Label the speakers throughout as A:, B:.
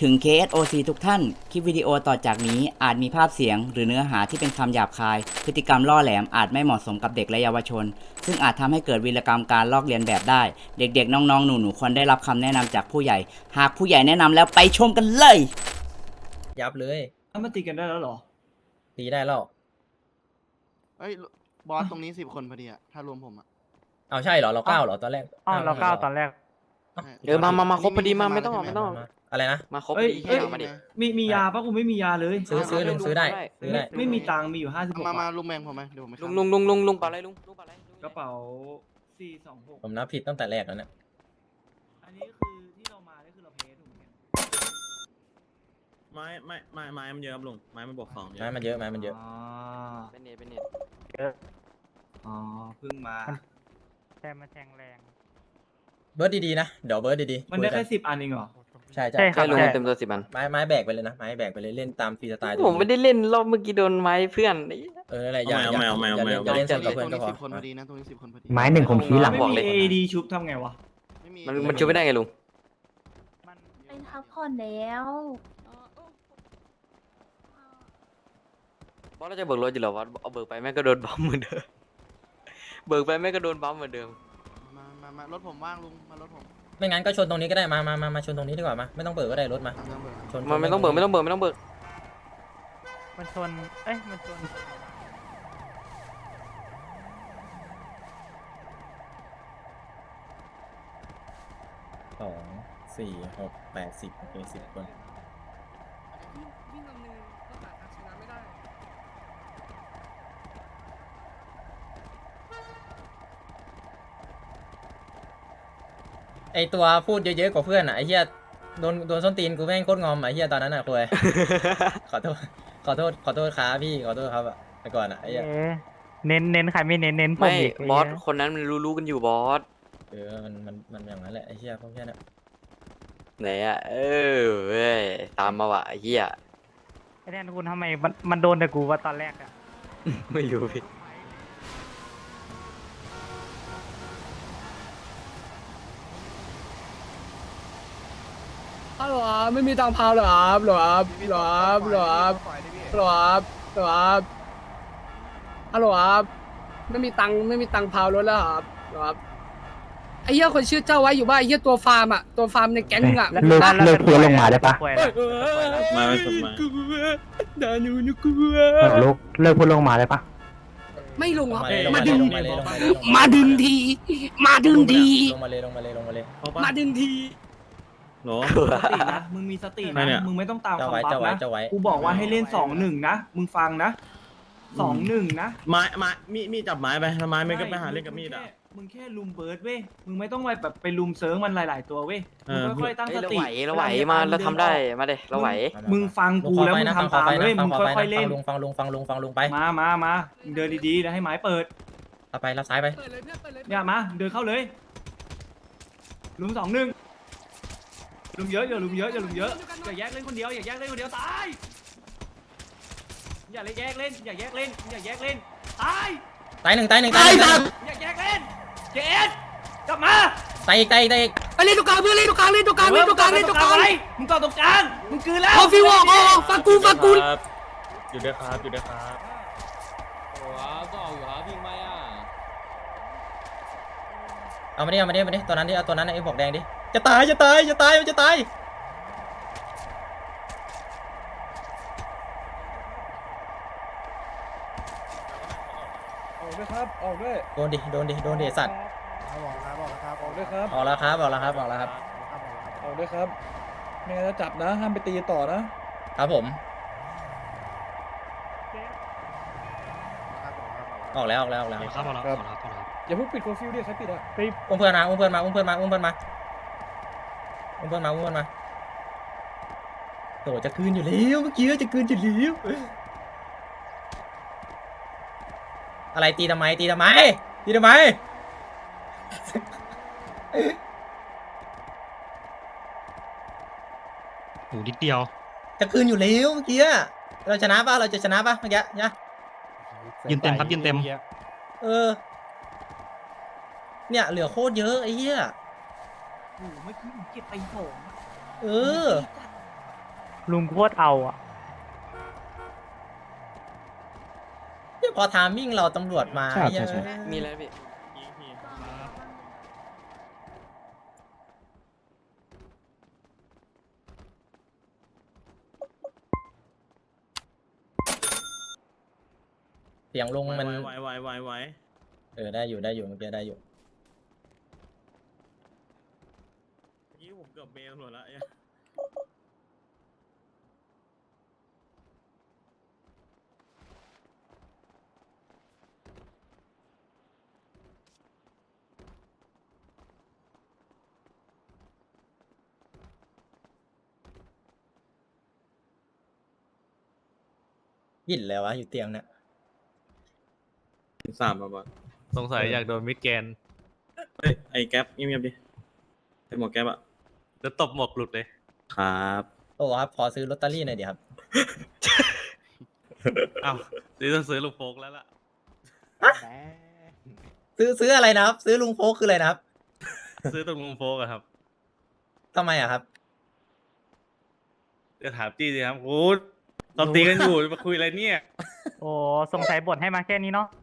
A: ถึง KSOC ทุกท่าน คลิปวิดีโอต่อจากนี้อาจมีภาพเสียงหรือเนื้อหาที่เป็นคำหยาบคาย พฤติกรรมล่อแหลมอาจไม่เหมาะสมกับเด็กและเยาวชน ซึ่งอาจทำให้เกิดวีรกรรมการลอกเลียนแบบได้ เด็กๆ น้องๆ หนูๆ ควรได้รับคำแนะนำจากผู้ใหญ่ หากผู้ใหญ่แนะนำแล้วไปชมกันเลย
B: ยับเลย
C: ถ้ามันตีกันได้แล้วเหรอ
B: ตีได้แล้ว
D: เอ้ยบอสตรงนี้10 คนพอดีอะถ้ารวมผมอะ
B: เอาใช่เหรอเราเก้าเหรอตอนแรก
E: อ๋อเราก้าวตอนแรก
D: มาครบพอดีมาไม่ต้อง
B: อะไรนะ
D: มาครบพ
C: เอ้
D: อย ดี
C: เอ้ย
D: มาดิ
C: มียาปะกูไม่มียาเลย
B: ซื้อลุงซื้อได้ซื้อได้
C: ไม่มีตังค์มีอยู่56
D: มา
C: บาท
D: ลุงแบงผมไหมเดี๋ยวผมไป
F: ลุงปะอะไรลุงปะอะไร
C: กระเป๋า426
B: ผมนับผิดตั้งแต่แรกแล้วเนี่ย
C: อันนี้คือที่เรามานี่คือเราเพย์ถูกไหม
G: ไม้มันเยอะครับลุงไม้มันบวก2เย
B: ไม้
G: อะ
B: มันเยอะไม้มันเยอะ
C: อ๋อ
F: เป็นเน็ต
C: อ๋อเพิ่งมา
E: แต่มาแทงแรง
B: เบิร์ดดีๆนะเดี๋ยวเบิร์ดดีๆ
C: มันได้
B: คุยกั
C: แค่10 อันเองเหรอ
B: ใช่ใช่
E: ใช่ครั
F: แค่
E: บ
F: ลุง
E: ใช่
F: เต็มตัว10 อัน
B: ไม้แบกไปเลยนะไม้แบกไปเลยเล่นตามฟรีสไตล์
F: ผมไม่ได้เล่นรอบเมื่อกี้โดนไม้เพื่อน
B: อะไรอย่าเล่น
D: ต
B: ส
D: ร
B: น
D: ง
B: กับ
D: นี้
B: เพื่อนก็พอ
D: 10 คนพอดีนะตรงนี้10 คนพอดี
H: ไม้หนึ่งผมชี้หลัง
C: ไม่
F: บอก
C: มี
F: เลย
C: AD ชุบทำไงวะ
D: ไม่มี
F: มันช่วยไม่ได้ไงลุง
E: มัน
I: ไปพักผ่อนแล้ว
F: บอสเราจะเบิกรถอยู่เหรอวะเอาเบิกไปแม่งก็โดนบัมเหมือนเดิมเบิกไปแม่งก็โดนบัมเหมือนเดิม
D: มารถผมว่างลุงมารถผม
B: ไม่งั้นก็ชนตรงนี้ก็ได้มาชนตรงนี้ดีกว่ามาไม่ต้องเปิดก็ได้รถมา
D: ตามเรื่องเบอร์
B: ชน
F: มันไม่ต้องเบิกไม่ต้องเบิกไม่ต้องเบิก
E: มันชน เอ้ย มันชน
B: 2 4 6 8 10โอเค10 คนไอตัวพูดเยอะๆกว่าเพื่อนอ่ะไอเหี้ยโดนส้นตีนกูแม่งโคตรงอมอ่ะไอเหี้ยตอนนั้นอ่ะคุย ขอโทษครับพี่ขอโทษครับอ่ะแต่ก่อนอ่ะไอ้เหี้ย
E: เอ๊ะเน้นใครไม่เน้นผม
F: ไม่
E: อีก
F: บอส
E: ไเหี้ย
F: คนนั้นมันรู้กันอยู่บอส
B: มันอย่างนั้นแหละไอ้เหี้ยพวกเนี้ยนะ
F: ไหนอะเว้ยตามมาว่ะไอ้เหี้ย
E: ไอ้แทนคุณทำไมมันโดนแต่กูว่าตอนแรกอะ
F: ไม่รู้พี่
J: ฮัลโหลครับไม่มีตังค์พาวเหรอครับเหรอครับเหรอครับเหรอครับเหรอครับเหรอครับฮัลโหลครับไม่มีตังค์พาวรถแล้วครับเหรอครับไอ้เหี้ยคนชื่อเจ้าไว้อยู่บ้านไอ้เหี้ยตัวฟาร์มอ่ะตัวฟาร์มในแก๊งมึงอ่ะ
H: เลิกเลิกเพื่อนลงมาได้ปะ
E: ป่วย
J: เอ
E: แล้ว
J: อ
G: ไม้มันสุดมา
J: กลัวดานูนุกลัว
H: ลูกเลิกเพื่อนลงมาได้ปะ
J: ไม่ลงครับ
B: ลง
J: มา
B: มาเลย
J: ดึง
B: ลงมาเลย
J: มาดึงทีมาดึงที
B: ลงมาเลย
J: มาดึงที
G: โห
C: สตินะ มึงมีสติ
G: ไม่
C: นะ
G: เนี่ย
C: มึงไม่ต้องตาม
B: เจ้า
C: คำ
B: ไว้
C: บัฟ
B: เจ้าไว้
C: นะ
B: เจ้าไว้
C: กูบอกว่าให้เล่น 2-1 นะ มึงฟังนะ 2-1 นะ
G: ไม้มีดจับไม้ไปแล้วไม้ไม่ก็ไปหาเล่นกับมีดอ่ะ
C: มึงแค่ลุมเบิร์ดเว้ย มึงไม่ต้องไปลุมเซิร์งมันหลาย ๆ ตัวเว้ย มึงค่อยๆตั้ง
F: เฮ้ย
C: ส
F: เรา
C: ติ
F: ไหวเราไหวมาเราทำได้มาเด้เราไหว
C: มึงฟังกูแล้วมึงทำตามเว้ย มึงค่อยๆเล่น
B: ฟังลุงไป
C: มามึงเดินดีๆแล้วให้ไม้เปิด
B: เอาไปรับซ้ายไป
J: เปิดเลยเนี่ยเปิดเลย
C: อย่ามา เดินเข้าเลย ลุม2-1ลุมเยอะอย่าลุมเยอะอย่าแยกเล่นคนเดียวตายอย่าแยกเล่นตาย
B: ตายหนึ่ง
C: อย่าแยกเล่นเจสกลับมา
B: ตายอีก
J: ไปเล่นตรงกลางเพื่อนเล่นตรงกลางเล่นตรงกลางเล่นตรงกลางเล่นตรงกลาง
C: ไว้มึงต่อตรงกลางมึงคืนแล้ว
J: พอฟิวออกฟังกู
G: อยู่ด้วยครับ
B: เอามาดิตัวนั้นดิเอาตัวนั้นไอ้บอกแดงดิจะตายมันจะตาย
J: ออกด้วยครับออกด้วย
B: โดนดิสัตว์
J: ออกด้วยครับ
B: ออกแล้วครับ
J: ออกด้วยครับไม่งั้นจะจับนะห้ามไปตีต่อนะครับ
B: ผมออกแล้ว
J: ครับอย่าเพิ่งปิดโคฟิวดิใครปิดอ่ะ
B: อุ้มเพื่อนมาโตจะคืนอยู่แล้วเมื่อกี้จะคืนอยู่แล้วอะไรตีทำไม
G: โหนิดเดียว
B: จะคืนอยู่แล้วเมื่อกี้เราจะชนะป่ะเมื่อกี้เนี่ย
G: ยืนเต็มครับยืนเต็ม
B: เนี่ยเหลือโคตรเยอะไอ้เหี้ย
C: โอ้โหเมื่อกี้มึงเก็บไป2
B: เออ
E: ลุงโคตรเอาอ่ะ
B: พอทามมิ่งเราตำรวจมา
H: ใช่
B: เหี้ย
H: ใช่
F: มีแล้วพี่
B: เสียงลงมัน
G: ไว
B: ได้อยู่ได้อยู่เมื่อกี้ได้อยู่
G: นี่ผมเกือบเมลหมดแล้ว
B: ยินแล้ววะอยู่เตียงเนี่ย
G: 3มาบอส
I: สงสัยอยากโดนมิดแกน
G: เฮ้ยไอ้แก๊ปเงียบๆดิไอ้หมวกแก๊ปอะ
I: จะตบหมวกหลุดเลย
G: ครับ
B: โอ้ครับขอซื้อลอตเตอรี่หน่อยดิครับ
I: อ้าวนี่ต้องซื้อลูกโฟกแล้วล่ะ
B: ซื้ออะไรนะครับ ซื้อลุงโฟกคืออะไรนะครับ
I: ซื้อตรงลุงโฟกอะครับ
B: ทำไมอะครับ
I: จะถามจี้สิครับโอ้เราตีกันอยู่มาคุยอะไรเนี่ย
E: โอ้สงสัยบทให้มาแค่นี้เนาะ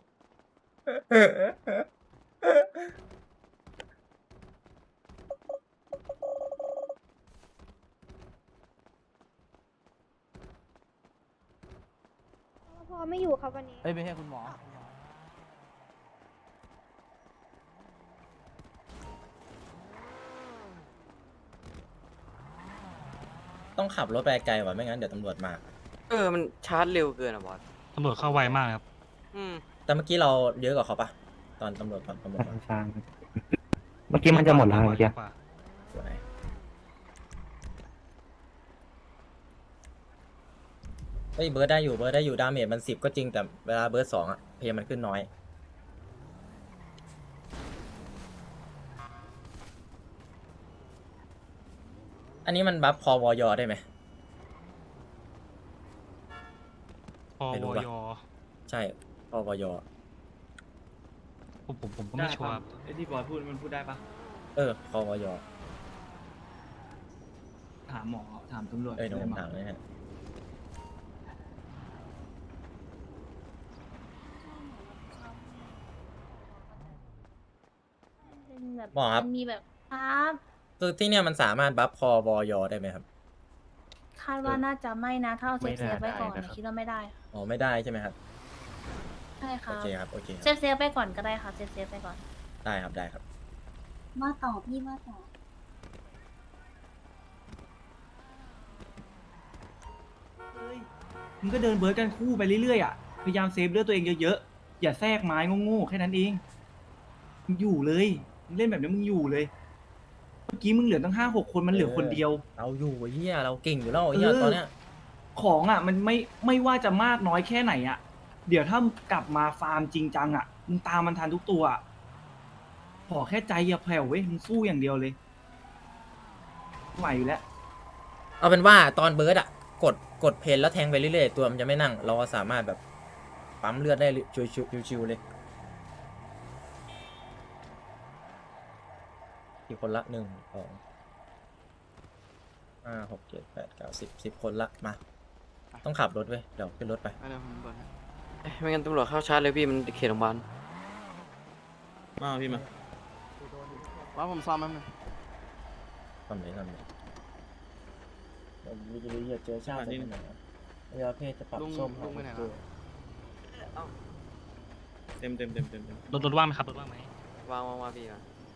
K: พอไม่อยู่ครับวันนี้
A: เฮ้ยไม่ใช่คุณหมอ
B: ต้องขับรถไปไกลว่ะไม่งั้นเดี๋ยวตำรวจมา
F: มันชาร์จเร็วเกินอะบอส
I: ตำรวจเข้าไวมากครับ
F: อืม
B: แต่เมื่อกี้เราเยอะกว่าเขาปะตอนตำรวจมา
H: ใช่เมื่อกี้มันจะหมดแล้วเมื่อกี้
B: สวยเฮ้ยเบิร์ดได้อยู่ดาเมจมัน10ก็จริงแต่เวลาเบิร์ด2อะเพย์มันขึ้นน้อย อันนี้มันบัฟคอวอยได้ไหม
I: พอ
B: ไม่รู้
I: ว
B: ปะ
I: ย
B: ใช่คอวอย
I: ผมก็ไม่ชัวร์
C: ไอ้ที่บอยพูดมันพูดได้ปะ
B: คอวอย
C: ถามหมอถามตำรวจ
B: เดี๋ยวผมถามเลยฮะ
K: เป็นแบบ
B: หมอครับ
K: มันมีแบบครับ
B: คือที่เนี่ยมันสามารถบัฟคอวอยได้ไหมครับ
K: คาดว่าน่าจะไม่นะ ถ้าเอาเซฟเซฟไว้ก่อนคิดว่าไม่ได้
B: อ๋อไม่ได้ใช่ไหมครับ
K: ใช่ค
B: โอ
K: รับ
B: เคครับโอเคค
K: เซ
B: รับ
K: ฟเซฟไปก่อนก็ได้ค่ะเซฟเซฟไปก่อน
B: ได้ครับได้ครับ
K: ว่าต่อพี่ว่าต่อ
C: มึงก็เดินเบิร์ดกันคู่ไปเรื่อยๆอ่ะพยายามเซฟเลือดตัวเองเยอะๆอย่าแทรกไม้โง่ๆแค่นั้นเองมึงอยู่เลยมึงเล่นแบบนี้มึงอยู่เลย เมื่อกี้มึงเหลือตั้ง5-6 คนมันเหลือคนเดียว
B: เราอยู่ไอ้เฮียเราเก่งอยู่แล้วไอ้เฮียตอนเนี้ย
C: ของอ่ะมันไม่ว่าจะมากน้อยแค่ไหนอ่ะ เดี๋ยวถ้ากลับมาฟาร์มจริงจังอ่ะมึงตามมันทันทุกตัวอะขอแค่ใจอย่าแผ่วเว้ยมึงสู้อย่างเดียวเลยไหวอยู่แล้ว
B: เอาเป็นว่าตอนเบิร์ดอะกดเพนแล้วแทงไปเรื่อยๆตัวมันจะไม่นั่ง เราสามารถแบบปั๊มเลือดได้ชิวๆเลยกี่คนละ1 2 5 6 7 8 9 10คนละมาต้องขับรถเว้ยเดี๋ยวขึ้นรถไป
D: เดี๋ยวผมเบิร์ดให้
F: ไม่งั้นตำรวจเข้าชาร์จเลยพี่มันเขตโรงพยาบาล
G: มาพี่มา
D: ว่าผมซ้อมแป๊บนึง
B: ทำเลยผมวิจิตรเจอชาติที่ไหนเรือเพศจะปรับ
D: ลุง
B: ส้ม
D: ลุงไปไหน
B: ตั
D: แล้ว ว
G: เต็ม
I: รถว่างไหมครับรถว่างไหม
F: วางพี่มา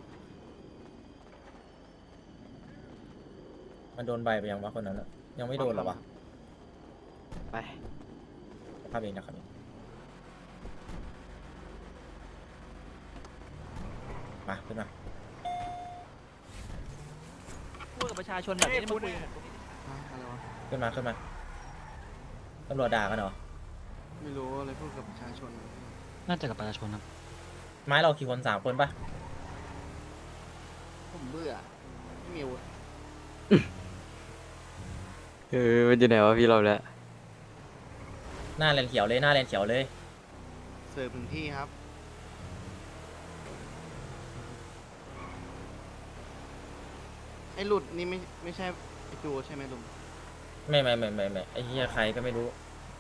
B: มันโดนใบไปยังวะคนนั้นอะยังไม่โดนหรอวะ
F: ไป
B: ภาพเองนะครับมาขึ้นมา
A: พูดกับประชาชนแบบนี้มันคุย
D: ฮะอะไรวะ
B: ขึ้นมาตำรวจด่ากันเหรอ
D: ไม่รู้อะไรพูดกับประชาชน
I: น่าจะกับประชาชนครับ
B: ไม้เรากี่คน3 คนปะ
D: ผมเบื่อไม่มีอาวุธ
F: มันอยู่ไหนวะพี่เราแล้ว
B: หน้าแลนเขียวเลยหน้าแลนเขียวเลย
D: เสิร์ฟถึงที่ครับไอ้หลุดนี่ไม่ใช่ไอ้จูใช่ไหมลุง
B: ไม่ไอ้เหี้ยใครก็ไม่รู้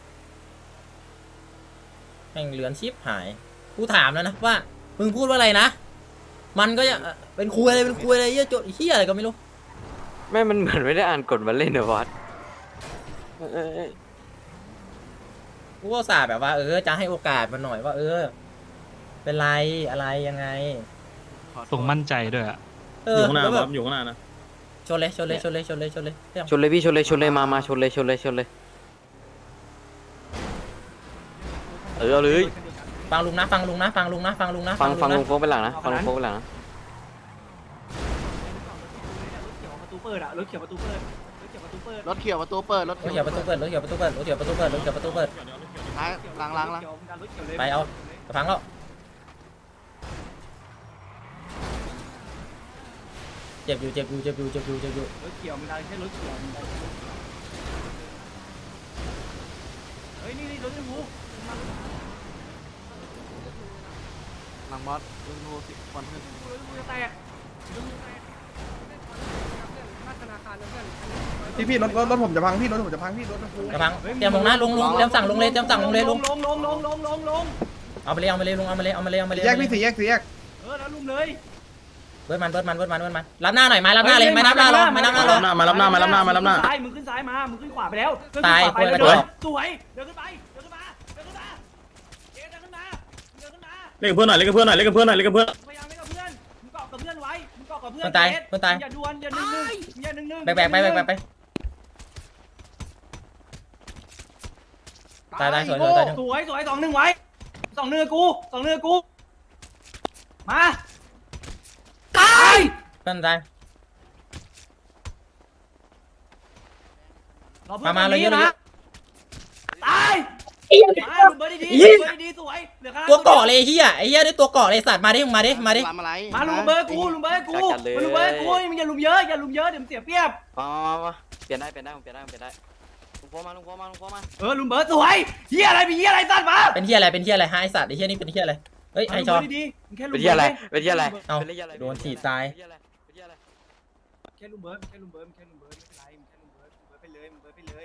B: แม่งเลือนชิบหายกูถามแล้วนะว่ามึงพูดว่าอะไรนะมันก็ยังเป็นคุยอะไรเหี้ยโจทย์เหี้ยอะไรก็ไม่รู้
F: แม่มันเหมือนไม่ได้อ่านกฎมาเล่นเหรอบอสเอ้ย
B: กูก็อุตส่าห์แบบว่าจะให้โอกาสมันหน่อยว่าเป็นไรอะไรยังไง
I: ส่งมั่นใจด้วยอ่ะ
G: อยู่ข้างหน้า
B: แล้ว
G: บ
B: แบ
G: อบ สอยู่ข้างหน้านะ
B: ชนเลยเรื่อง
F: ชนเลยพี่ชนเลยมาชนเลยเอาเลย
B: ฟังลุงนะฟังลุง
F: ฟังลุงโฟกไปหลังนะฟังลุงโฟกไปหลังนะ
C: ประตูเปิดอะรถเขียวประตูเปิดรถเขียวประตูเปิด
D: รถเขียวประตูเปิด
B: รถเขียวประตูเปิด
D: ท้ายล้าง
B: ไปเอากระพังแล้วเจ็บอยู่
C: รถเขียวมันดันแค่รถเขียวมันดันเฮ้ยนี่รถชมพู
D: หลังบอสลุงโทรสิวันขึ้น
C: รถชมพูจะแตก
J: พี่รถผมจะพังพี่รถผมจะพังพี่รถชมพู
B: กระพังเตรียมลงนะลุงเตรียมสั่งลงเลยลุง
C: ลง
B: เอาไปเลยลุงเอามาเลย
J: แยกพี่สี่แยก
C: แล้วลุมเลย
B: เบิร์ดมันรับหน้าหน่อยไม้รับหน้าเลยไม่นับหน้ารอ
G: มารับหน้า
C: ซ้ายมึงขึ้นซ้ายมามึงขึ้นขวาไปแล้ว
B: ตาย
C: ไปแล้ว
B: ป่วย
C: สวยเดินขึ้นมาเดินขึ้นมาเดินขึ้นมา
G: เล่นกับเพื่อนหน่อย
C: พยายามเล่นกับเพื่อนมึงเกาะกับเพื่อนไว้มึงเกาะกับเพื่อน
B: มันตาย
C: อย่าดวนอย่าหนึ่ง
B: แบกไปตายสวย
C: สวย2-1ไว้2-1กูมาตาย
B: เพื่อนตาย มาเลยเยอะ
C: ตายมาลุมเบอร์ดีสวยเหลือข้าง
B: ตัวเกาะเลยไอ้เหี้ยได้ตัวเกาะเลยสัตว์มาดิมาดิ
D: ทำอะไร
C: มาลุมเบอร์กูมึงอย่าลุมเยอะเดี๋ยวมันเสียเปรียบ
F: มาเปลี่ยนได้ลุงโฟมาลุงโฟมา
C: ลุมเบอร์สวยเฮียอะไรมีเฮียอะไรสัตว์มา
B: เป็นเหี้ยอะไรฮะไอสัตว์ไอ้เหี้ยนี่เป็นเหี้ยอะไรเฮ้ยไอชอ
C: ดีๆแค่ลุ
F: เป็
C: ม
F: น
C: เบ
F: ที่
C: อ
F: อะไร
C: ร์
B: เอาโดนถีบตาย
C: แค่ลุมเบอร์ไม่เป็นไรไปเลยมึงเบอร์ไปเลย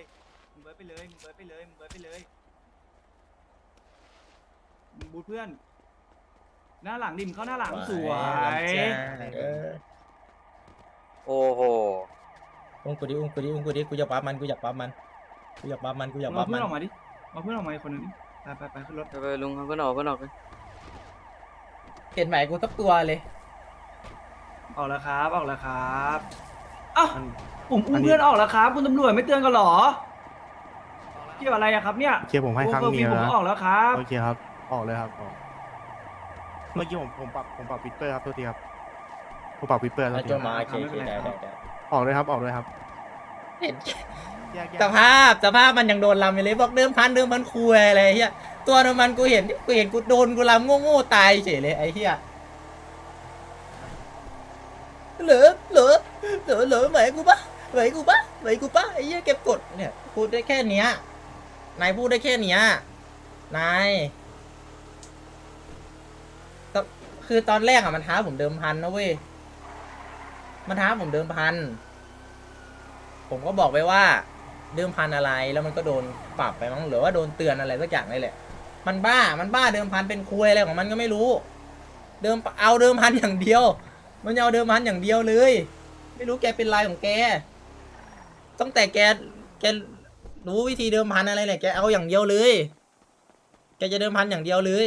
C: มึงบูทเพื่อนหน้าหลังดิมเข้าหน้าหลังสวย
F: โอ้โห
B: อุ้มกูดิกูอยากปั๊บมัน
C: เอาเพื่อนออกมาดิเอาเพื่อนออกมาอีกคนนึงดิไปขึ้นรถ
F: ไปลุงก็ออก
B: เห็นไหมกูสักตัวเลย
C: ออกแล้วครับอ้าวผมอุ้มเพื่อนออกแล้วครับคุณตำรวจไม่เตือนกันหรอเกี่ยวอะไรอะครับเนี่ย
H: เคลียร์ผมให้ครั้งเดียว
C: ผม
H: นะ
C: ออกแล้วครับ
H: โอเคครับ ออกเลยครับออกเมื่อกี้ผมปรับวิปเปอร์ครับโทษทีครับผมปรับวิปเปอร์แล้ว
B: โจมาโอเคได้
H: ออกเลยครับ
B: เห็น
H: แยก
B: สภาพมันยังโดนลำอยู่เลยบอกเดิมพันคุยอะไรเฮียตัวมันกูเห็นกูโดนกูลำโง่ตายเฉยเลยไอ้เฮียเหลือไหวกูปะไอ้เฮียเก็บกดเนี่ยพูดได้แค่เนี้ยนายพูดได้แค่เนี้ยนายคือตอนแรกอะมันท้าผมเดิมพันนะเว้ยมันท้าผมเดิมพันผมก็บอกไปว่าเดิมพันอะไรแล้วมันก็โดนปรับไปมั้งหรือว่าโดนเตือนอะไรสักอย่างนี่แหละมันบ้าเดิมพันเป็นคุยอะไรของมันก็ไม่รู้เอาเดิมพันอย่างเดียวมันเอาเดิมพันอย่างเดียวเลยไม่รู้แกเป็นไรของแกตั้งแต่แกรู้วิธีเดิมพันอะไรเนี่ยแกเอาอย่างเดียวเลยแกจะเดิมพันอย่างเดียวเลย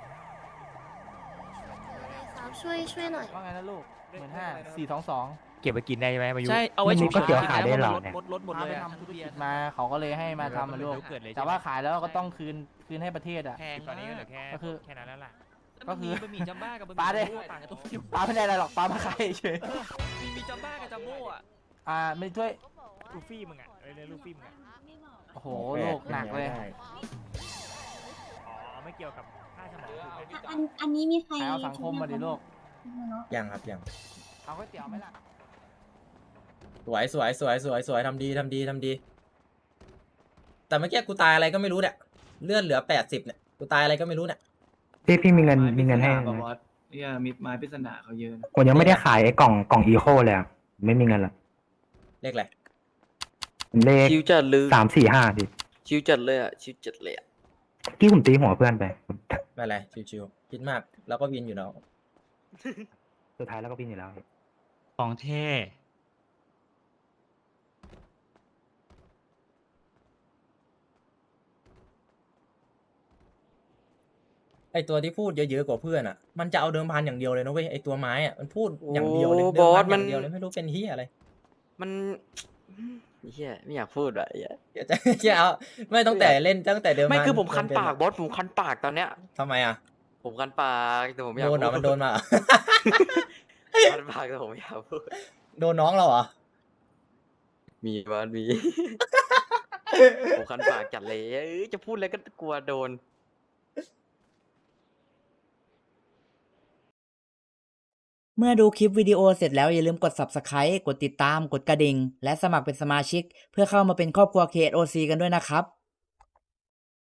K: ช่วยหน่อย
J: ว่าไงนะลูก15,422
E: เก็บไปกินได้ไหมมายุ
J: ใช่เอาไว้ฉุก
H: ก็เกี่ยวขายได้หรอเนี่ย
J: รถหมดเลยทำธุรกิจมาเขาก็เลยให้มาทำมาลูกแต่ว่าขายแล้วก็ต้องคืนให้ประเทศอ่ะ
E: แพงตอนนี้ก็เหลือแค่
J: ก็คือ
E: แค่นั้นแล้วล่ะ
J: ก็คือ
E: มันมีจัมบ้ากับบะห
J: ปลาได้
E: มี่ต่างกันตรงที่
J: ปลาไม่ได้อะไรหรอกปลามาขายเฉย
E: มีจัมบ้ากับจัมโบ้อะ
J: ไม่ช่วย
E: ลูฟี่มึงอะเรียกลูฟี่มึงอะ
J: โอ้โหลูกหนักเลย
E: อ๋อไม่เกี่ยวกับค่าสมองถูกไหม
K: อันนี้มีใคร
J: ขายเอาสังคมมาดิลูก
B: ยังครับยัง
J: เอาก๋วยเตี๋ยวไหมล่ะ
B: สวยทำดีแต่เมื่อกี้กูตายอะไรก็ไม่รู้เนี่ยเลือดเหลือ80เนี่ยกูตายอะไรก็ไม่รู้เนี่ย
H: พี่มีเงินให้
C: บอสเนี่ยมิดไม้ปริศนาเขาเยอะนะ
H: ผมยังไม่ได้ขายไอ้กล่องอีโคเลยอะไม่มีเงินหรอก
B: เลขอะไร
L: เลข
F: ชิวจัดเลย
L: 345พี่
F: ชิวจัดเลยอ่ะชิวจัดเลยอ่ะ
L: ที่ผมตีหัวเพื่อนไป
B: ไม่เป็นไรชิวๆคิดมากแล้วก็วินอยู่แล้ว
L: สุดท้ายแล้วก็บินอยู่แล้วพี่
I: ของเท่
B: ไอตัวที่พูดเยอะๆกว่าเพื่อนอ่ะ มันจะเอาเดิมพันอย่างเดียวเลยนะเว้ยไอตัวไม้อ่ะมันพูดอย่างเดียวเลย
F: โอ้
B: เดิมพัน
F: บอส
B: อ
F: มัน
B: ย่างเดียวเลยไม่รู้เป็นที่อะไร
F: มันเฮียไม่อยากพูดอ่ะเหี้ย
B: จะเอาไม่ตั้งแต่เล่นตั้งแต่เดิมพัน
F: ไม่คือผมคัน
B: เป็
F: ปากบอสผมคันปากตอนเนี้ย
B: ทำไมอ่ะ
F: ผมคันปากแต่ผมอยาก
B: โดนเหรอ
F: พู
B: มันโดนมาเหรอ
F: คันปากแต่ผมอยากพูด
B: โดนน้องเราเหรอ
F: มีบอสมี ผมคันปากจัดเลยเอ้ยจะพูดอะไรก็กลัวโดน
A: เมื่อดูคลิปวิดีโอเสร็จแล้วอย่าลืมกด Subscribe กดติดตาม กดกระดิ่ง และสมัครเป็นสมาชิก เพื่อเข้ามาเป็นครอบครัว KSOC กันด้วยนะครับ